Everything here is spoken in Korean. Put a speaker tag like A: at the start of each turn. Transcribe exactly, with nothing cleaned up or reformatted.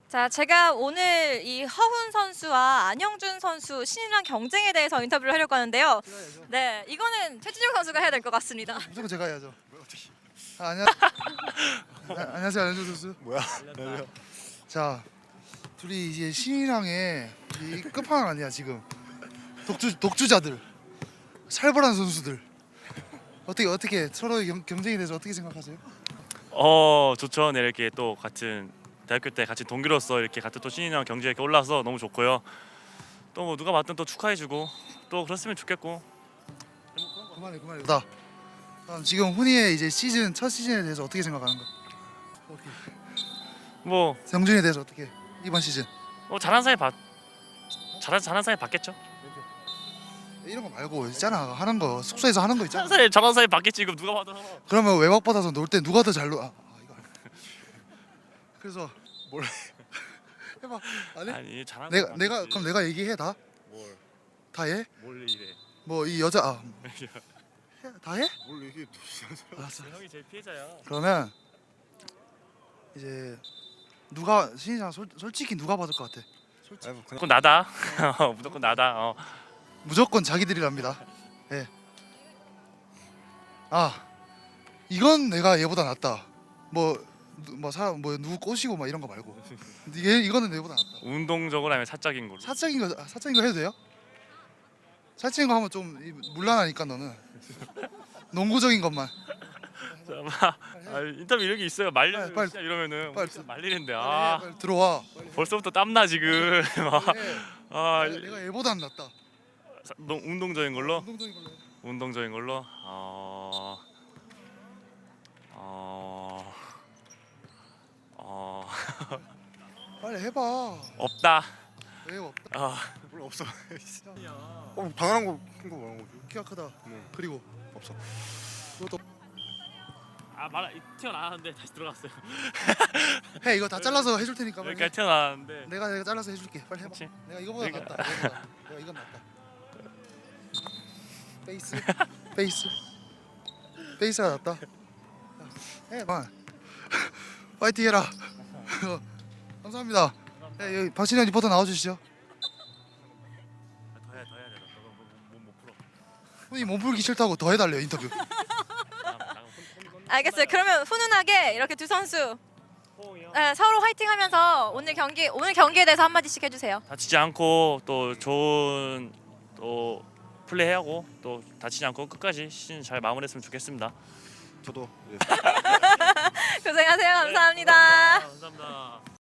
A: 자, 제가 오늘 이 허훈 선수와 안영준 선수 신인왕 경쟁에 대해서 인터뷰를 하려고 하는데요.
B: 제가 해야죠.
A: 네, 이거는 최진영 선수가 해야 될 것 같습니다.
B: 무조건 제가 해야죠. 아, 안녕. 아, 안녕하세요, 안현준 선수.
C: 뭐야?
B: 자, 둘이 이제 신인왕의 이 끝판왕 아니야 지금. 독주 독주자들, 살벌한 선수들. 어떻게 어떻게 서로의 경, 경쟁에 대해서 어떻게 생각하세요?
D: 어 좋죠. 네, 이렇게 또 같은 대학교 때 같이 동기로서 이렇게 같은 또 신인왕 경기에 이렇게 올라서 너무 좋고요. 또 뭐 누가 맞든 또 축하해주고 또 그랬으면 좋겠고.
B: 그만해 그만해. 나 다음 지금 훈이의 이제 시즌 첫 시즌에 대해서 어떻게 생각하는 거? 오케이.
D: 뭐
B: 영준에 대해서 어떻게 이번 시즌?
D: 뭐 잘한 사이 봤 잘한 잘한 사이 봤겠죠.
B: 이런 거 말고 있잖아 하는 거 숙소에서 하는 거 있잖아.
D: 잘한 사이 잘한 사이 봤겠지. 이거 누가 봐도.
B: 그러면 외박 받아서 놀 때 누가 더 잘 놀? 아, 아 이거 안 해. 그래서
C: 뭘?
B: 해봐. 안 해?
D: 아니 잘한
B: 내가
D: 사이
B: 내가
D: 봤겠지.
B: 그럼 내가 얘기해 다?
D: 뭘?
B: 다 해?
D: 뭘 이래?
B: 뭐 이 여자 아, 해? 다 해?
C: 뭘 얘기해?
B: 알았어.
D: 형이 제일 피해자야.
B: 그러면 이제 누가 신인상 솔, 솔직히 누가 받을 것 같아?
C: 아니, 뭐 그냥
D: 무조건 나다. 무조건 나다. 어.
B: 무조건 자기들이랍니다. 예. 아 이건 내가 얘보다 낫다. 뭐뭐 사람 뭐 누구 꼬시고 막 이런 거 말고 이게 이거는 내보다 낫다.
D: 운동적으로 하면 사적인 걸로.
B: 사적인 거 아, 사적인 거 해도 돼요? 사적인 거 하면 좀 이- 물란하니까 너는 농구적인 것만.
D: 아, 인터뷰 이런 게 있어요. 말려
B: 빨리, 빨리.
D: 진짜 이러면은
B: 빨리.
D: 진짜 말리는데
B: 빨리 해,
D: 아
B: 빨리 들어와.
D: 벌써부터 땀나 지금.
B: 빨리 해.
D: 아
B: 내가, 내가 얘보다 안 낫다.
D: 사- 농- 운동적인 걸로.
B: 운동적인 걸로 해.
D: 운동적인 걸로. 어. 어. 어.
B: 빨리 해봐.
D: 없다.
B: 왜 없다?
D: 아.
C: 뭘 없어. 어, 당연한 거 큰 거 말한 거지.
B: 키가 크다.
C: 네.
B: 그리고
C: 없어.
B: 너도
D: 아 말 튀어나왔는데 다시 들어갔어요.
B: 해 이거 다 잘라서 해줄 테니까 빨리. 해.
D: 여기까지 튀어나왔는데.
B: 내가 내가 잘라서 해줄게. 빨리 해봐.
D: 그렇지.
B: 내가 이거보다
D: 내가-
B: 낫다. 이거보다. 내가 이건 낫다. 페이스, 페이스, 페이스가 낫다. 해, 만. 파이팅 해라. 감사합니다. 네, 여기 박신영 리포터 나와주시죠.
D: 더 해야 더 해야 돼. 너몸못 풀어.
B: 훈이 몸풀기 싫다고 더 해달래요 인터뷰.
D: 나가면 나가면 혼- 혼- 혼-
A: 알겠어요. 그러면 훈훈하게 이렇게 두 선수
D: 호응이요.
A: 네, 서로 화이팅하면서 오늘 경기 오늘 경기에 대해서 한 마디씩 해주세요.
D: 다치지 않고 또 좋은 또 플레이하고 또 다치지 않고 끝까지 시즌 잘 마무리했으면 좋겠습니다.
C: 저도 예.
A: 고생하세요. 감사합니다.
D: 감사합니다.